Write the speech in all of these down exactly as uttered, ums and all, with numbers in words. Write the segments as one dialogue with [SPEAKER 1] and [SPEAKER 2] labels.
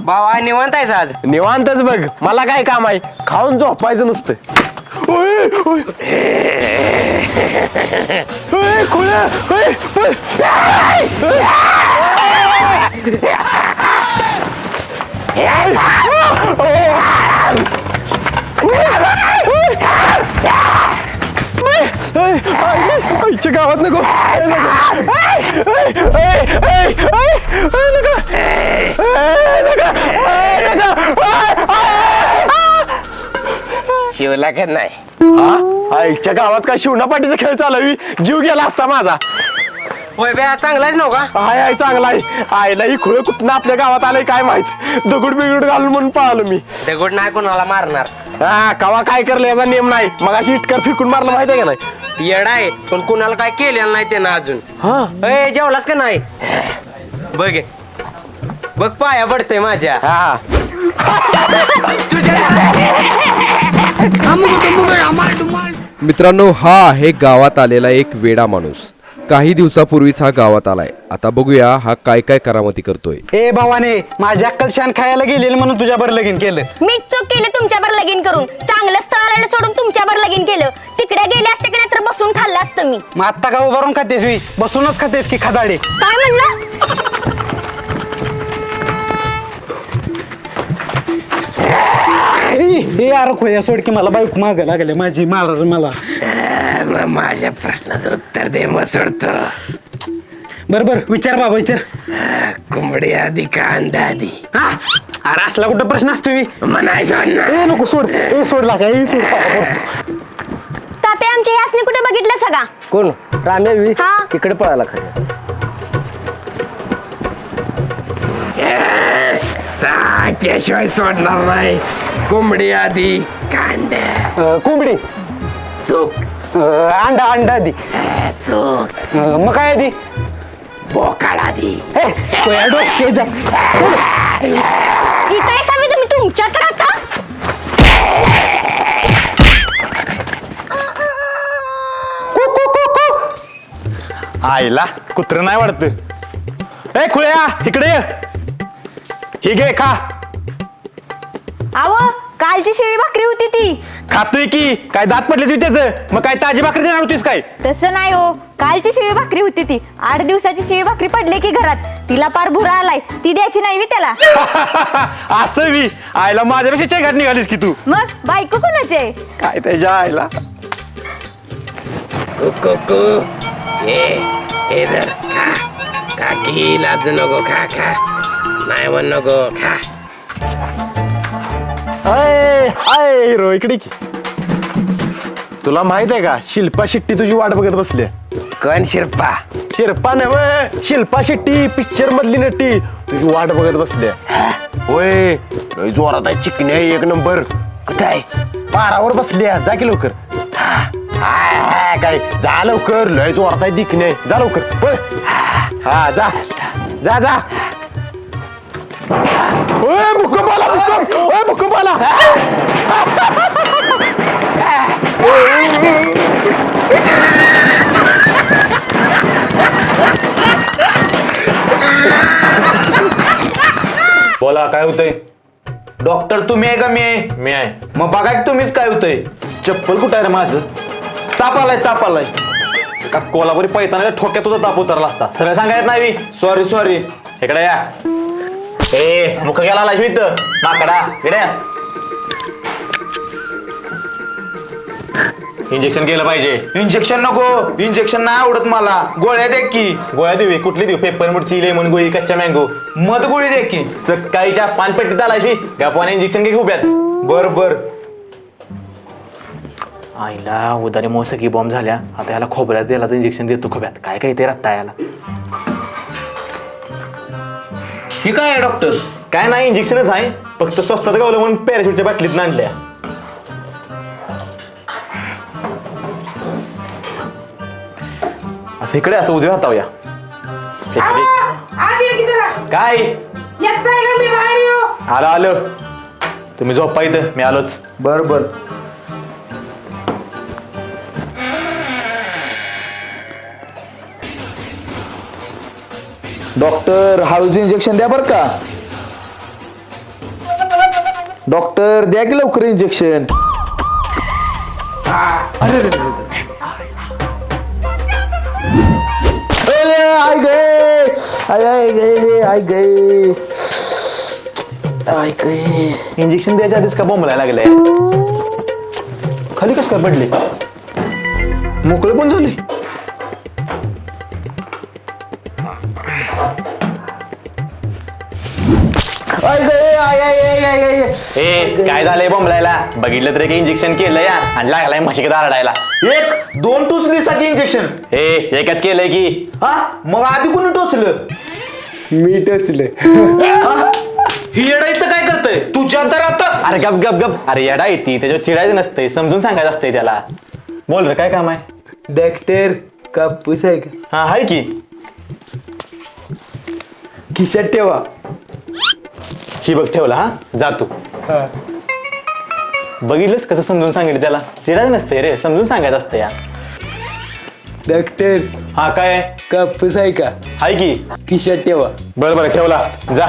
[SPEAKER 1] बाबा निवांत आहेस आज?
[SPEAKER 2] निवांतच बघ, मला काय काम आहे, खाऊन झोपायचं नुसतं. ओय, ओय. ओय, खुळ्या, ओय, ओय. आईच्या गावात नको.
[SPEAKER 1] शिवला का नाही?
[SPEAKER 2] हा, आईच्या गावात काय शिवणा पाठीचा खेळ चालवी, जीव गेला असता माझा.
[SPEAKER 1] होय बे, चांगलाच नव्हता.
[SPEAKER 2] हाय हाय चांगला आहे. आईला ही खुळ कुठनं आपल्या गावात आलंय काय माहित. दगड बिगड घालून म्हणून पळालो मी.
[SPEAKER 1] दगड नाही कोणाला मारणार.
[SPEAKER 2] हा, कवा काय करलं याचा नियम नाही. मग अशी इटकर फेकून मारलं माहिती आहे का नाही?
[SPEAKER 1] येडा आहे, पण कुणाला काय केलेलं नाही त्यानं अजून.
[SPEAKER 2] हा
[SPEAKER 1] ए, जेवलास का नाही? बघ बघ, पाया पडतंय माझ्या.
[SPEAKER 2] हा
[SPEAKER 3] मित्रांनो, हा आहे गावात आलेला एक वेडा माणूस. काही दिवसापूर्वीच हा गावात आलाय. आता बघूया हा काय काय करामती करतोय.
[SPEAKER 4] ए भावाने, माझ्या अक्कल शान खायला गेलेलं म्हणून तुझ्यावर लगीन केलं.
[SPEAKER 5] मीच चूक केली तुमच्यावर लगीन करून. चांगलं स्थळ आलेलं सोडून तुमच्यावर लगीन केलं. तिकडे गेले असते की नाही तर बसून खाल्लं असतं मी.
[SPEAKER 4] मग आत्ता का उभारून खातेस मी? बसूनच खातेस की खदाडे?
[SPEAKER 5] काय म्हणलं?
[SPEAKER 4] ए यार खोया सोड की, मला बायको माग लागले माझी, मार मला.
[SPEAKER 1] माझ्या प्रश्नाचं उत्तर दे, मग सोडतो.
[SPEAKER 4] बर बर विचार बाबा विचार.
[SPEAKER 1] कोंबडी आधी का अंडा आधी?
[SPEAKER 4] हा, अरे असला कुठं प्रश्न असतो मी?
[SPEAKER 1] म्हणायचं ना.
[SPEAKER 4] ए नको सोड, ए सोडला का, ए सोड.
[SPEAKER 5] ताते आमच्या यासने कुठे बघितलं सगळा?
[SPEAKER 1] कोण? रामेवी
[SPEAKER 5] हा.
[SPEAKER 1] तिकडे पळाला खरं. साठ्याशिवाय सोडणार नाही. कोंबडी आधी कांड्या.
[SPEAKER 4] कोंबडी
[SPEAKER 1] चूक.
[SPEAKER 4] अंडा अंडा आधी.
[SPEAKER 1] चूक.
[SPEAKER 4] मग काय आधी?
[SPEAKER 1] बोकाड आधी.
[SPEAKER 4] खोया डोसक्याच्या.
[SPEAKER 5] ही काय सांगू तुम्ही तुमच्यात राहता?
[SPEAKER 2] आईला कुत्र नाही वाटत. ए खुळ्या, इकडे ये. ही घे खा.
[SPEAKER 5] आव, कालची शिळी भाकरी होती ती.
[SPEAKER 2] खातोय की, काय दात पडले तुझी त्याच? मग काय ताजी भाकरी देणार होतीस काय?
[SPEAKER 5] तसं नाही हो, कालची शिळी भाकरी होती ती. आठ दिवसाची शिळी भाकरी पडली की घरात, तिला पार भुरा आलाय. ती द्यायची नाही मी त्याला.
[SPEAKER 2] असं मी आईला माझ्यापेक्षा चेघाट निघालीस की तू.
[SPEAKER 5] मग बायको कोणाचे?
[SPEAKER 2] काय त्याच्या आईला.
[SPEAKER 1] कुकू ए ए धर खा. काकी लाज नको, खा खा. नाही म्हण नको, खा.
[SPEAKER 2] हाय हाय हिरो, इकडे की. तुला माहित आहे का, शिल्पा शेट्टी तुझी वाट बघत बसली.
[SPEAKER 1] कोण शिरपा?
[SPEAKER 2] शिल्पा नव्हे, शिल्पा शेट्टी पिक्चर मधली नटी तुझी वाट बघत बसली. होय, लय जोरात आहे, चिकणी आहे एक नंबर.
[SPEAKER 1] कुठं आहे?
[SPEAKER 2] पारावर बसली आहे, जा की लवकर. हाय हाय काय, जा लवकर, लय जोरात आहे, दिखणे आहे, जा लवकर. होय हा, जा जा जा. ओय भूकंप आला, भूकंप. ओय भूकंप आला.
[SPEAKER 6] बोला, काय होतंय?
[SPEAKER 4] डॉक्टर तुम्ही आहे का मी आहे?
[SPEAKER 6] मी आहे.
[SPEAKER 4] मग बघा की तुम्हीच काय होतंय. चप्पल कुठं आहे रे माझं? ताप आलाय, ताप आलाय.
[SPEAKER 6] का कोल्हापुरी पैताना ठोक्यात तुझा ताप उतरला असता. सगळं सांगायचं नाही.
[SPEAKER 4] Sorry sorry.
[SPEAKER 6] इकडे या. ए मुख गेला लाजवीत माकडा, इकडे या. इंजेक्शन केलं पाहिजे.
[SPEAKER 4] इंजेक्शन नको, इंजेक्शन नाही आवडत मला. गोळ्या दे की.
[SPEAKER 6] गोळ्या देऊ? कुठली देऊ? पेपर मुडची, लेमन गोळी, कच्च्या मँगो?
[SPEAKER 4] मध गोळी दे की.
[SPEAKER 6] सकाळीच्या पानपेटीत आलायशी गपाने इंजेक्शन घे उभ्यात.
[SPEAKER 4] बर बर.
[SPEAKER 6] आईला उदारी मग सगळी बॉम्ब झाल्या. आता याला खोबऱ्यात दिला तर इंजेक्शन देतो खोब्यात. काय काय ते रत्ता याला.
[SPEAKER 4] ही काय आहे डॉक्टर?
[SPEAKER 6] काय नाही, इंजेक्शनच आहे. फक्त स्वस्तात गावलं म्हणून पॅराशूटच्या बाटलीत आणल्या. असं इकडे असं उजव्या हातावया. काय आलं आलं. तुम्ही झोपा इथं, मी आलोच.
[SPEAKER 4] बर बर. डॉक्टर हळूचं इंजेक्शन द्या बरं का.
[SPEAKER 7] डॉक्टर द्या की लवकर इंजेक्शन. आय गे आय आय गे आय गे आय गे.
[SPEAKER 6] इंजेक्शन द्यायच्या आधीच का बोंबलायला लागलंय.
[SPEAKER 7] खाली कस काय पडले मोकळे पण झाले. आय गे आय आय आय आय आय.
[SPEAKER 6] ए काय झालंय बोंबलायला. बघितलं तरी काही इंजेक्शन केलं या आणि लागलाय म्हशीकडे आरडायला.
[SPEAKER 7] एक दोन टोचलीसाठी इंजेक्शन.
[SPEAKER 6] ए एकच केलंय की.
[SPEAKER 7] हा मग आधी कोणी टोचलं.
[SPEAKER 2] मी टचले.
[SPEAKER 7] ही येडा इथं काय करतय तुझ्या तर आता.
[SPEAKER 6] अरे गप गप गप. अरे येडा येते त्याच्यावर चिडायचं नसतंय समजून सांगायचं असतंय त्याला. बोल रे काय काम आहे.
[SPEAKER 2] डॉक्टर कापूस आहे का
[SPEAKER 6] हा हाय की.
[SPEAKER 2] खिशात ठेवा.
[SPEAKER 6] ही बघ ठेवला हा जा तू. बघितलंस कसं समजून सांगितलं त्याला. चिडायचं नसतंय रे समजून सांगायचं असतं या.
[SPEAKER 2] डॉक्टर
[SPEAKER 6] हा काय
[SPEAKER 2] कापूस आहे का
[SPEAKER 6] हाय की.
[SPEAKER 2] खिशात ठेवा.
[SPEAKER 6] बरं बरं ठेवला जा.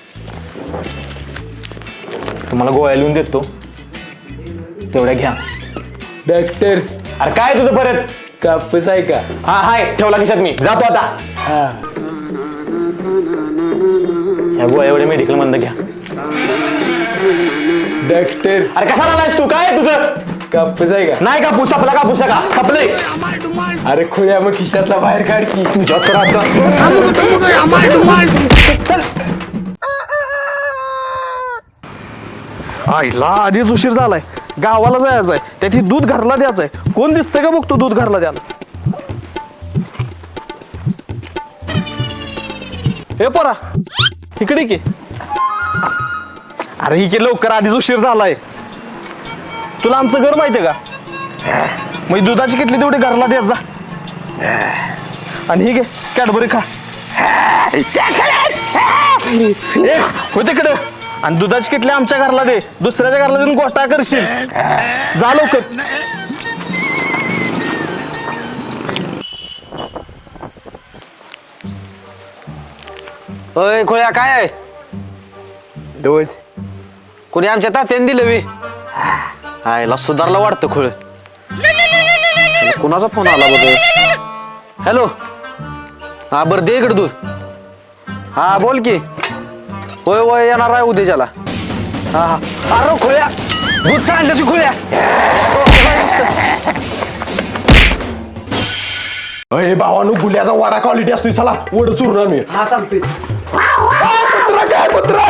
[SPEAKER 6] तुम्हाला गोळ्या लिहून देतो तेवढ्या घ्या.
[SPEAKER 2] डॉक्टर
[SPEAKER 6] अरे काय तुझं परत.
[SPEAKER 2] कापूस आहे का
[SPEAKER 6] हा हाय ठेवला खिशात मी जातो आता.
[SPEAKER 2] हा
[SPEAKER 6] ह्या गोळ्या एवढ्या मेडिकल मधनं घ्या.
[SPEAKER 2] डॉक्टर
[SPEAKER 6] अरे कसा आलायस तू काय आहे तुझं.
[SPEAKER 2] कापूस आहे का
[SPEAKER 6] नाही का पुसा आपला का पुसा का खपलंय.
[SPEAKER 2] अरे खुल्या मग खिशातला बाहेर काढ की.
[SPEAKER 6] तुझ्या तर आता
[SPEAKER 4] आईला आधीच उशीर झालाय. गावाला जायचंय त्याची दूध घरला द्यायचंय. कोण दिसतंय का बघतो दूध घरला द्यायला. हे पोरा इकडे की. अरे ही की लवकर आधीच उशीर झालाय. तुला आमचं घर माहितीये का. मग दुधाची किटली तेवढी घरला द्यायच जा. आणि ही घे कॅडबरी खा. ए, हो तिकडे. आणि दुधाची किटली आमच्या घरला दे. दुसऱ्याच्या घरला देऊन गोष्टा करशील. जा लवकर.
[SPEAKER 8] ओय खोळ्या काय आहे.
[SPEAKER 2] दोन
[SPEAKER 8] कोणी आमच्या तात्याने दिलं बी. आयला सुधारला वाटतं खोळ.
[SPEAKER 4] कुणाचा फोन आला बघ.
[SPEAKER 8] हॅलो हा बरं दे इकडे दूध.
[SPEAKER 4] हा बोल की.
[SPEAKER 8] होय होय येणार आहे उद्याच्याला.
[SPEAKER 4] हा हा अरे खोळ्या
[SPEAKER 8] दूध सांडलं की खोळ्या.
[SPEAKER 2] अरे भावानो गुल्याचा वाडा क्वालिटी असतो. चला वड चुरून मी.
[SPEAKER 8] हा चालते.
[SPEAKER 2] कुत्रा काय कुत्रा.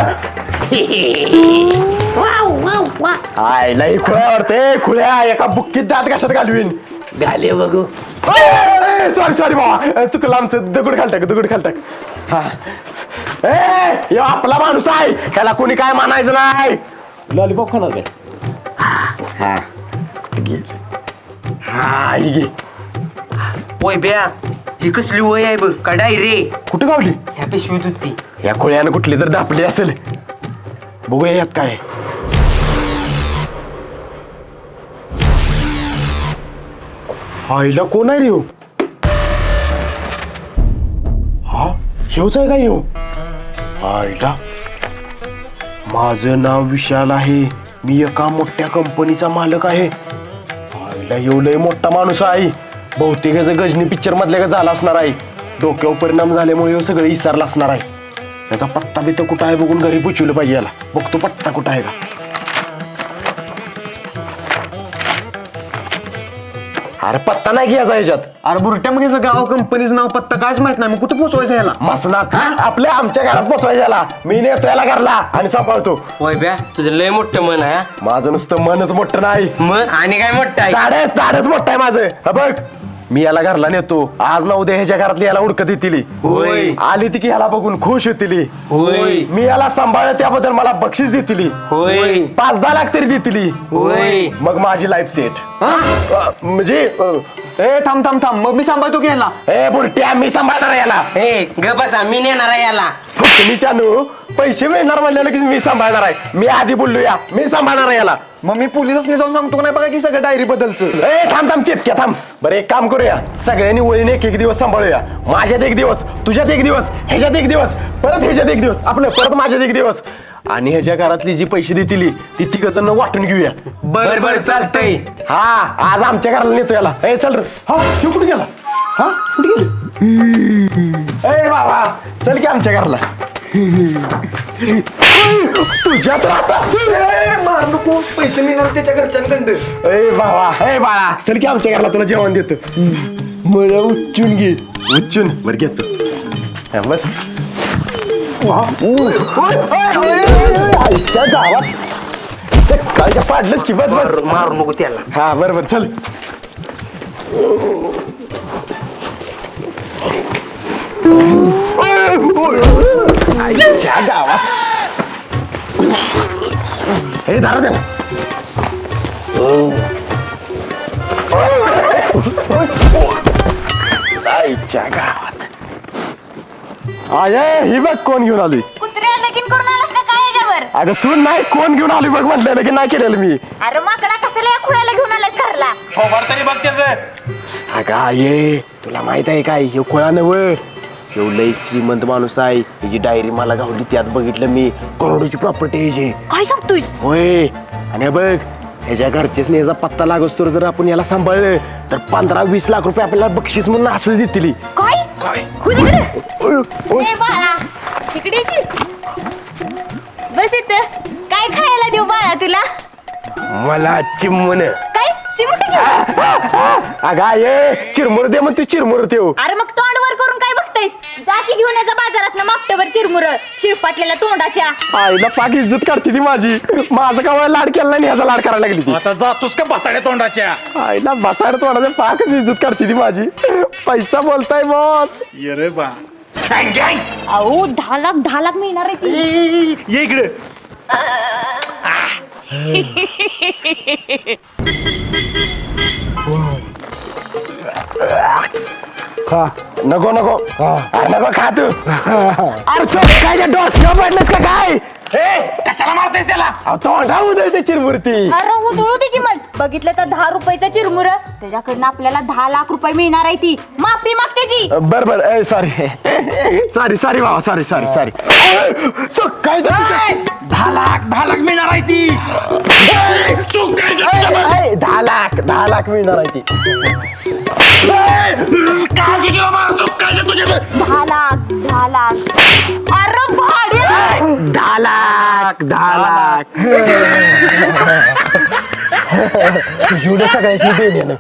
[SPEAKER 2] आयला ही खुळ्या वाटते. खुळ्या एका बुक्कीत दात कशात घालवीन.
[SPEAKER 1] घाले बघू.
[SPEAKER 2] सॉरी सॉरी भावा चुकलं आमचं. दगड घालटाक दगड घालटाक. हा ए ह्यो आपला माणूस आहे. त्याला कोणी काय मानायचं नाही. लॉलीपॉप खाणार काय. हा घे. हा ही घे.
[SPEAKER 1] ओय ब्या ही कसली वय आहे बघ कडाई रे.
[SPEAKER 2] कुठं गावली.
[SPEAKER 1] ह्या पिशवीत होती.
[SPEAKER 2] या खोळ्यानं कुठली तर दापली असेल. बघूया यात काय. आईला कोण आहे रे ह्यो. हा ह्योच आहे का ह्यो. आईला माझं नाव विशाल आहे. मी एका मोठ्या कंपनीचा मालक आहे. आईला ह्यो लय मोठा माणूस आहे. बहुतेक याचं गजनी पिक्चर मधल्या का झाला असणार आहे. डोक्यावर परिणाम झाल्यामुळे ह्यो सगळं विसरला असणार आहे. याचा पत्ता बित्ता कुठं आहे बघून घरी पोचवलं पाहिजे. याला बघतो पत्ता कुठं आहे का. अरे पत्ता नाही घ्यायचा ह्याच्यात.
[SPEAKER 8] अरे बुरट्या मग याचं गाव कंपनीचं नाव पत्ता कायच माहित नाही. मग कुठं पोचवायचं याला.
[SPEAKER 2] मसनात आपल्या आमच्या घरात पोचवायचं याला. मी नेतो याला घरला आणि सांभाळतो.
[SPEAKER 1] ओय ब्या तुझं लय मोठं मन आहे.
[SPEAKER 2] माझं नुसतं मनच मोठं नाही.
[SPEAKER 1] मन आणि काय मोठं आहे.
[SPEAKER 2] धाडच धाडच मोठं आहे माझं. हा बघ मी याला घरला नेतो. आज ना उद्या ह्याच्या घरातली याला उडकत येतील.
[SPEAKER 1] होय.
[SPEAKER 2] आली ती की ह्याला बघून खुश होतील.
[SPEAKER 1] होय.
[SPEAKER 2] मी याला सांभाळलं त्याबद्दल मला बक्षीस देतील.
[SPEAKER 1] होय.
[SPEAKER 2] पाच दहा लाख तरी देतील.
[SPEAKER 1] होय.
[SPEAKER 2] मग माझी लाईफ सेट. म्हणजे अ,
[SPEAKER 8] ए थांब थांब थांब मग मी सांभाळतो की ह्याला.
[SPEAKER 2] ए बुरट्या मी सांभाळणार याला.
[SPEAKER 1] ए ग बसा मी नेणार आहे याला.
[SPEAKER 2] तुम्ही चानू पैसे मिळणार म्हणलं की मी सांभाळणार आहे. मी आधी बोललो या मी सांभाळणार आहे याला.
[SPEAKER 8] मग मी पोलिसांनी जाऊन सांगतो नाही बघा की सगळं डायरी बदलचं.
[SPEAKER 2] ए थांब थांब चिपक्या थांब. बरं एक काम करूया सगळ्यांनी वळीने एक एक दिवस सांभाळूया. माझ्यात एक दिवस तुझ्यात एक दिवस ह्याच्यात एक दिवस परत ह्याच्यात एक दिवस आपलं परत माझ्यात एक दिवस आणि ह्याच्या घरातली जी पैसे देतील ती तिघ जण वाटून घेऊया.
[SPEAKER 1] बर बर चालतंय.
[SPEAKER 2] हा आज आमच्या घराला नेतो याला. ए चल रे. हा तू कुठे गेला? हा कुठे गेली? ए बाबा चल की आमच्या घराला. तुझ्या तर आता
[SPEAKER 1] मार नको, पैसे मिळणार त्याच्या घरच्यांकडं.
[SPEAKER 2] ए बाबा ए बाळा चल की आमच्या घराला तुला जेवण देतो. मला उच्चून घे. उच्चून बर घेतो. हा, बस. वा. ओय, ओय, ओय, ओय, आईच्या गावात सकाळच्या पाडलंच की. बस बस
[SPEAKER 1] मारू नको त्याला.
[SPEAKER 2] हा बरोबर चल. आईच्या गावात हे दारा द्या. आईच्या गावात आय ही बघ कोण घेऊन आली.
[SPEAKER 5] कुत्र्या लगीन करून आलास का काय याच्यावर?
[SPEAKER 2] अगं सून नाही कोण घेऊन आली बघ म्हटलेलं की नाही केलेलं मी.
[SPEAKER 5] अरे माकडा कशाला या खुळ्याला घेऊन आलास घरला?
[SPEAKER 7] तरी बघ त्याचं.
[SPEAKER 2] अगं आये तुला माहित आहे काय हे खोळा नव एवढं श्रीमंत माणूस आहे. त्याची डायरी मला गावली त्यात बघितलं मी करोडोची प्रॉपर्टी आहे याची.
[SPEAKER 5] काय सांगतोयस?
[SPEAKER 2] होय आणि हे बघ ह्याच्या घरचेच याचा पत्ता लागस तर जर आपण याला सांभाळलं तर पंधरा वीस लाख रुपये आपल्याला बक्षीस म्हणून असं देतील.
[SPEAKER 5] काय खुद इकडे ए बाळा इकडे ये की. बस इथं. काय खायला देऊ बाळा तुला?
[SPEAKER 2] मला चिमण
[SPEAKER 5] काय चिमटे घेऊ?
[SPEAKER 2] अगं ये चिरमुर दे मग तू चिरमुर देऊ.
[SPEAKER 5] अरे मग तोंड वर करून काय बघतायस? जाती घेऊन याचा बाजारात ना मापटभर चिरमुर शिरपाटलेल्या तोंडाच्या.
[SPEAKER 2] आईला पाक इज्जत काढते ती माझी. माझं का लाड केला नाही ह्याचा लाड करायला लागली ती.
[SPEAKER 7] आता जातोस का बसाड्या तोंडाच्या?
[SPEAKER 2] आईला बसायला तोंडाचं पाकच इज्जत काढते ती माझी. पैसा बोलताय बॉस.
[SPEAKER 7] ये रे बा.
[SPEAKER 5] अहो दहा लाख दहा लाख मिळणार आहे ती.
[SPEAKER 2] ये इकडे. खा नको नको अरे नको खा तू. अरे चल काय डोसक्या पडलंस का काय?
[SPEAKER 7] कशाला मारतेस त्याला?
[SPEAKER 2] अहो, तोंडा उदळते चिरमुरती.
[SPEAKER 5] अरे उधळू दे की मग. बघितलं तर दहा रुपयाचं चिरमुर त्याच्याकडनं आपल्याला दहा लाख रुपये मिळणार आहे ती. माफी माग त्याची.
[SPEAKER 2] बर बर ए सॉरी सॉरी सॉरी बाबा सॉरी सॉरी सॉरी. काय
[SPEAKER 7] दहा लाख दहा लाख मिळणार आहे ती. चूक काय
[SPEAKER 2] ए, दहा लाख दहा लाख मिळणार आहे ती.
[SPEAKER 7] काय तुझी बाबा चूक काय तुझ्या
[SPEAKER 5] दहा लाख दहा लाख. अरे भाड्या
[SPEAKER 2] दहा लाख दहा लाख एवढं सगळ्याची देणे.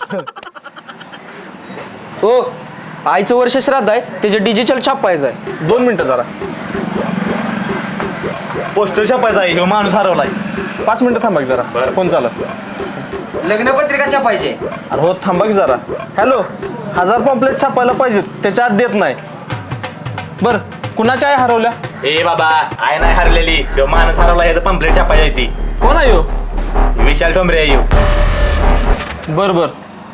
[SPEAKER 8] हो आईचं वर्ष श्राद्ध आहे त्याचे डिजिटल छापायचं आहे.
[SPEAKER 4] दोन मिनिटं जरा.
[SPEAKER 7] पोस्टर छापायचा आहे. ह्यो माणूस हरवलाय.
[SPEAKER 4] पाच मिनिटं थांबा की जरा. फोन चालू.
[SPEAKER 8] लग्नपत्रिका छापायची.
[SPEAKER 4] अरे हो थांबा की जरा. हॅलो हजार पॉम्पलेट छापायला पाहिजेत त्याच्या आत देत नाही. बर कुणाच्या आई हरवल्या?
[SPEAKER 7] ए बाबा आय नाही हरलेली. ह्यो माणूस हरवला याचं पंपलेट छापायची आहे ती.
[SPEAKER 4] कोण आहे हो?
[SPEAKER 7] विशाल ठोंबरे आहे ह्यो.
[SPEAKER 4] बर बर.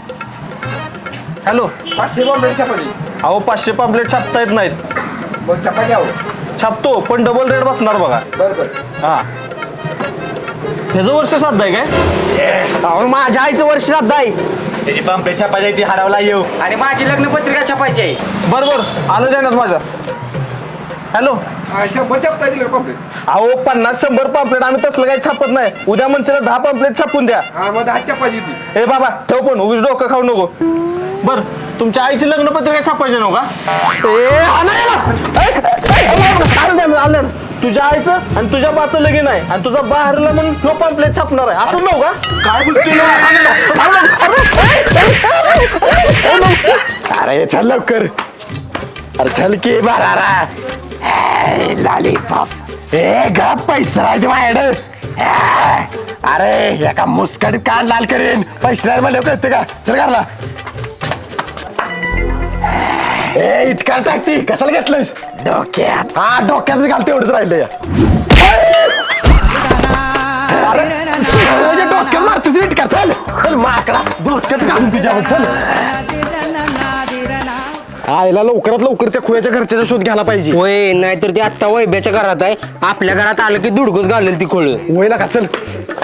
[SPEAKER 4] हॅलो
[SPEAKER 3] पाचशे पॉम्पलेट छापायची.
[SPEAKER 4] अहो पाचशे पॉम्पलेट छापता येत नाहीत.
[SPEAKER 3] मग छापायची आहो.
[SPEAKER 4] छापतो पण डबल रेट बसणार बघा.
[SPEAKER 3] बरं बरं.
[SPEAKER 4] हा ह्याचं वर्ष श्राद्ध आहे काय?
[SPEAKER 8] अहो माझ्या आईचं वर्ष श्राद्ध आहे
[SPEAKER 7] त्याची पंपलेट छापायची आहे ती हरवला येऊ.
[SPEAKER 8] आणि माझी लग्नपत्रिका छापायची आहे.
[SPEAKER 4] बर बर आलं देण्यात माझ्या. हॅलो
[SPEAKER 3] शंभर छापता येतील पॉम्पलेट.
[SPEAKER 4] अहो पन्नास शंभर पॉम्पलेट आम्ही तसलं काही छापत नाही. उद्या म्हणशील दहा पॉम्पलेट छापून द्या.
[SPEAKER 3] हा मग दहा छापायची ती.
[SPEAKER 4] ए बाबा ठेव पण उगीच डोकं खाऊ नको. बर तुमच्या आईची लग्नपत्रिका छापायची नव्ह का? ए, हा नाही ना. ए, ए, ए, आलं द्या, आलं द्या. तुझ्या आईचं आणि तुझ्या बाचं लगीन आहे आणि तुझा बा हरला म्हणून नो पॉम्पलेट छापणार आहे असं नव्ह का? काय बोलतो?
[SPEAKER 2] अरे चल लवकर. अरे चल की बारा लॉलीपॉप. ए गा पैसा आहे माझ्याकडे. अरे एका मुस्कट कान लाल करेन. पैसे नाही मला कळते का? चल घरला. ए इतका टाकती कशाला घेतलंयस? डोक्यात. हा डोक्यात घालते एवढंच राहिलं या. डोसक्यात मारतोस इटका. चल चल माकडा डोसक्यात घालून तुझ्यावर. चल आईला लवकरात लवकर त्या खुयाच्या घरच्याचा शोध घ्यायला पाहिजे.
[SPEAKER 8] होय नाहीतर ते आत्ता वैब्याच्या घरात आहे. आपल्या घरात आलं की दुडगच घालेल ती खोळ.
[SPEAKER 2] वयला का चल.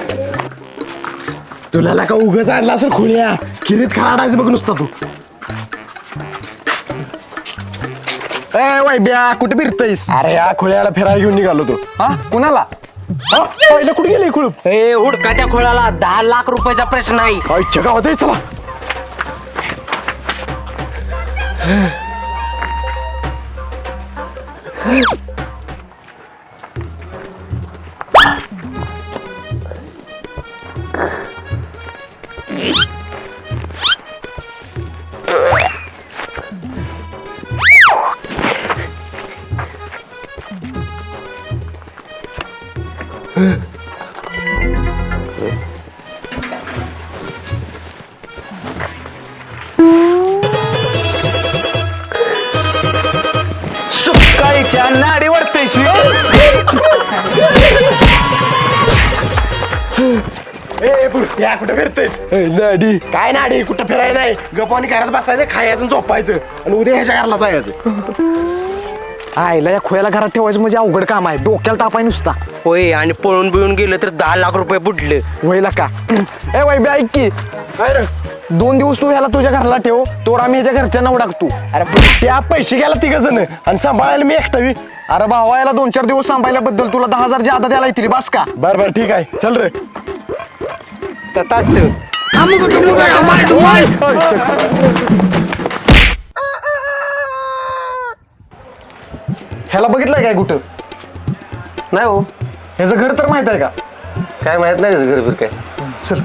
[SPEAKER 2] तुला का उगाच आणला असेल खोळ्या. खिरीत खाडायचं बघ नुसता तू.
[SPEAKER 7] ए वैब्या कुठे फिरतयस?
[SPEAKER 2] अरे या खुळ्याला फिरायला घेऊन निघालो तो.
[SPEAKER 7] हा कुणाला?
[SPEAKER 2] हा पहिलं कुठे गेले खुळूप?
[SPEAKER 1] ए हुडका त्या खोळाला दहा लाख रुपयाचा प्रश्न आहे.
[SPEAKER 2] आईच्या गावात आहे, चला.
[SPEAKER 4] सुकाळीच्या नाडी वाढतयस
[SPEAKER 2] ए या कुठं फिरतेस? नाडी काय नाडी? कुठं फिरायला नाही, गप्पानी घरात बसायचं, खायचं आणि झोपायचं आणि उद्या ह्याच्या घराला जायचं.
[SPEAKER 7] आईला या खोयाला घरात ठेवायचं म्हणजे अवघड काम आहे, डोक्याला तापाय नुसता.
[SPEAKER 1] होय आणि पळून बिळून गेलं तर दहा लाख रुपये बुडले.
[SPEAKER 7] वयला का ए वैब्या ऐक की,
[SPEAKER 2] काय रे?
[SPEAKER 7] दोन दिवस तू ह्याला तुझ्या घराला ठेव, तोर आम्ही ह्याच्या घरच्यांना उडाकतो.
[SPEAKER 2] अरे त्या पैसे गेला तिघ जण आणि सांभाळायला मी एकटावी.
[SPEAKER 7] अरे भावा याला दोन चार दिवस सांभाळल्याबद्दल तुला दहा हजार जादा द्यायला येतील बस का?
[SPEAKER 2] बर बर ठीक आहे, चल रे.
[SPEAKER 7] ह्याला बघितलंय काय कुठं?
[SPEAKER 8] नाही हो,
[SPEAKER 7] ह्याचं घर तर माहित आहे का?
[SPEAKER 8] काय माहित नाही घर फिर काय.
[SPEAKER 7] चल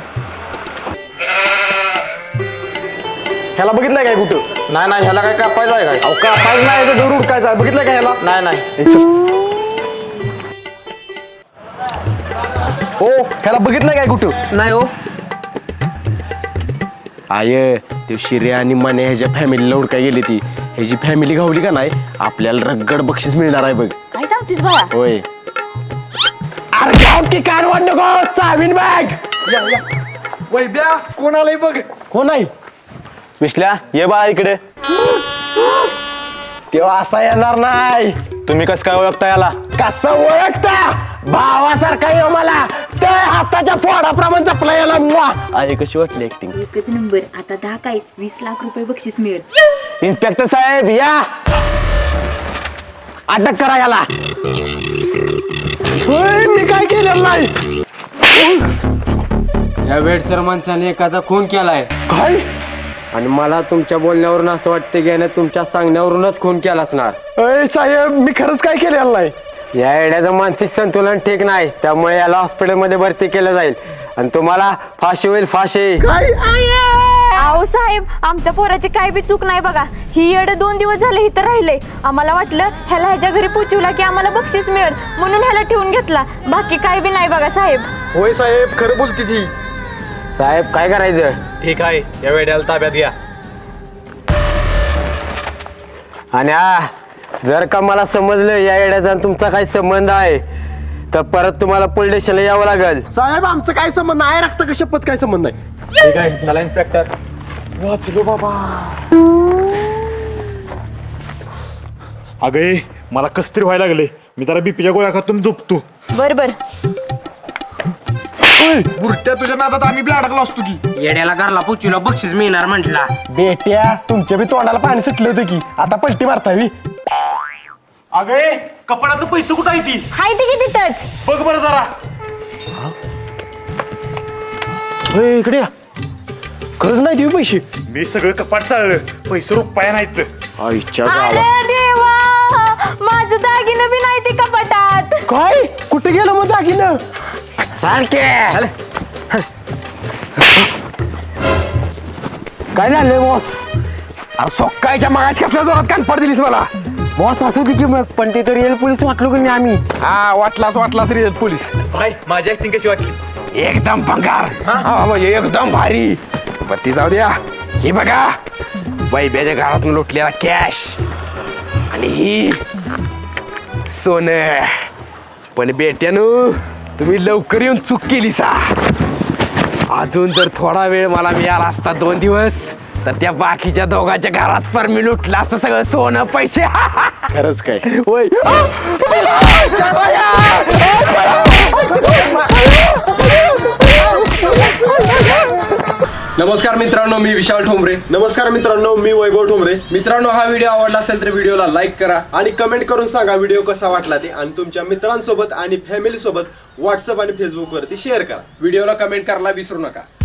[SPEAKER 7] ह्याला बघितलंय काय कुठं?
[SPEAKER 8] नाही नाही ह्याला काय कापायचं आहे काय?
[SPEAKER 7] अहो का पाहिजे नाही याचं घर उडकायचं आहे, बघितलंय का ह्याला?
[SPEAKER 8] नाही नाही.
[SPEAKER 7] ए, चल. हो ह्याला बघितलंय काय कुठं?
[SPEAKER 8] नाही हो.
[SPEAKER 2] आय ते शिरे आणि मने ह्याच्या फॅमिलीला उडकाय गेली ती. ह्याची फॅमिली गावली का नाही, आपल्याला रगड बक्षीस मिळणार आहे बघ.
[SPEAKER 5] काय सांगतेस बाळा?
[SPEAKER 2] होय. अरे जाऊ की कार वाढ नको, चावीन बॅग.
[SPEAKER 7] वैब्या कोण आलंय बघ.
[SPEAKER 2] कोण आहे?
[SPEAKER 4] विश्ल्या ये बाळा इकडे.
[SPEAKER 2] तेव्हा असा येणार नाही.
[SPEAKER 4] तुम्ही कसं काय ओळखता याला?
[SPEAKER 2] कसं ओळखता? भावासारखा येऊ मला, त्या हाताच्या फोडाप्रमाणे जपला याला. मुआ. अरे कशी वाटली ऍक्टिंग?
[SPEAKER 5] एकच नंबर. आता दहा काय वीस लाख रुपये बक्षीस मिळेल.
[SPEAKER 4] इन्स्पेक्टर साहेब या,
[SPEAKER 2] अटक करा याला. होय, मी काय केलेलं नाही.
[SPEAKER 9] या वेडसर माणसाने एखादा खून केलाय
[SPEAKER 2] काय?
[SPEAKER 9] आणि मला तुमच्या बोलण्यावरून असं वाटतं की याने तुमच्या सांगण्यावरूनच खून केला असणार.
[SPEAKER 2] अय साहेब, मी खरंच काय केलेलं नाही.
[SPEAKER 9] या येड्याचं मानसिक संतुलन ठीक नाही, त्यामुळे याला हॉस्पिटलमध्ये भरती केलं जाईल आणि तुम्हाला फाशी होईल, फाशी.
[SPEAKER 2] काय?
[SPEAKER 5] अहो साहेब, आमच्या पोराची काय बी चूक नाही बघा. ही येड दोन दिवस झाले इथं राहिले. आम्हाला वाटलं ह्याला ह्याच्या घरी पोचवला की आम्हाला बक्षीस मिळेल म्हणून ह्याला ठेवून घेतला. बाकी काय बी नाही बघा साहेब.
[SPEAKER 7] होय साहेब खरं बोलती ती.
[SPEAKER 9] साहेब काय करायचं?
[SPEAKER 4] ठीक आहे, या वेड्याला ताब्यात घ्या.
[SPEAKER 9] आणि हा जर का मला समजलं या येड्याचा आणि तुमचा काही संबंध आहे तर परत तुम्हाला पोलीस स्टेशनला यावं लागेल.
[SPEAKER 2] साहेब आमचं काय संबंध नाही, रक्त का शपथ काय संबंध नाही.
[SPEAKER 4] ठीक आहे, चला इन्स्पेक्टर.
[SPEAKER 2] वाचलो बाबा.
[SPEAKER 4] अगे मला कस तरी व्हायला लागले, मी जरा बीपीच्या गोळ्या खातून दुखतो.
[SPEAKER 5] बर बर.
[SPEAKER 7] बुरट्या तुझ्या नादात आम्ही बी अडकलो असतो की.
[SPEAKER 1] येड्याला घरला पुचीला बक्षीस मिळणार म्हटला.
[SPEAKER 2] बेट्या, तुमच्या बी तोंडाला पाणी सुटलं होतं की, आता पलटी मारतावी.
[SPEAKER 4] अगे कपड्यातलं पैसे कुठं आहे ती?
[SPEAKER 5] हाय ती किती टच.
[SPEAKER 4] बघ बरं जरा.
[SPEAKER 2] होय, इकडे या. खरंच नाही देऊ पैसे.
[SPEAKER 4] मी सगळं कपाट चाललं, पैसे रुपया नाहीत.
[SPEAKER 2] आईच्या
[SPEAKER 5] अरे
[SPEAKER 2] गावात.
[SPEAKER 5] देवा, माझं दागिनं बी नाही ती कपाटात.
[SPEAKER 2] काय? कुठे गेलं मग दागिनं? काय झालंय बॉस? अरे सोक्कायच्या मागाश कसल्या जोरात कानफाड दिलीस मला. बॉस असू दे की मग, पण ते तर रिअल पोलीस वाटलो की मी आम्ही. हा वाटलाच वाटलाच रिअल पोलीस.
[SPEAKER 4] भाई माझी ऍक्टिंग कशी वाटली?
[SPEAKER 2] एकदम भंगार. हा म्हणजे एकदम भारी. पण ती जाऊ द्या. ही बघा, वैब्याच्या घरातून लुटलेला कॅश आणि ही सोनं. पण बेट्यानो, तुम्ही लवकर येऊन चूक केली सा. अजून जर थोडा वेळ मला मिळाला असता, दोन दिवस, तर त्या बाकीच्या दोघांच्या घरात पर मी लुटलं असतं सगळं सोनं पैसे. खरंच काय? होय.
[SPEAKER 3] नमस्कार मित्रांनो, मी विशाल ठोंबरे.
[SPEAKER 2] नमस्कार मित्रांनो, मी वैभव ठोंबरे.
[SPEAKER 3] मित्रांनो, हा व्हिडिओ आवडला असेल तर व्हिडिओला लाईक करा
[SPEAKER 2] आणि कमेंट करून सांगा व्हिडिओ कसा वाटला ते, आणि तुमच्या मित्रांसोबत आणि फॅमिली सोबत व्हॉट्सअप आणि फेसबुक वरती शेअर करा.
[SPEAKER 3] व्हिडिओला कमेंट करायला विसरू नका.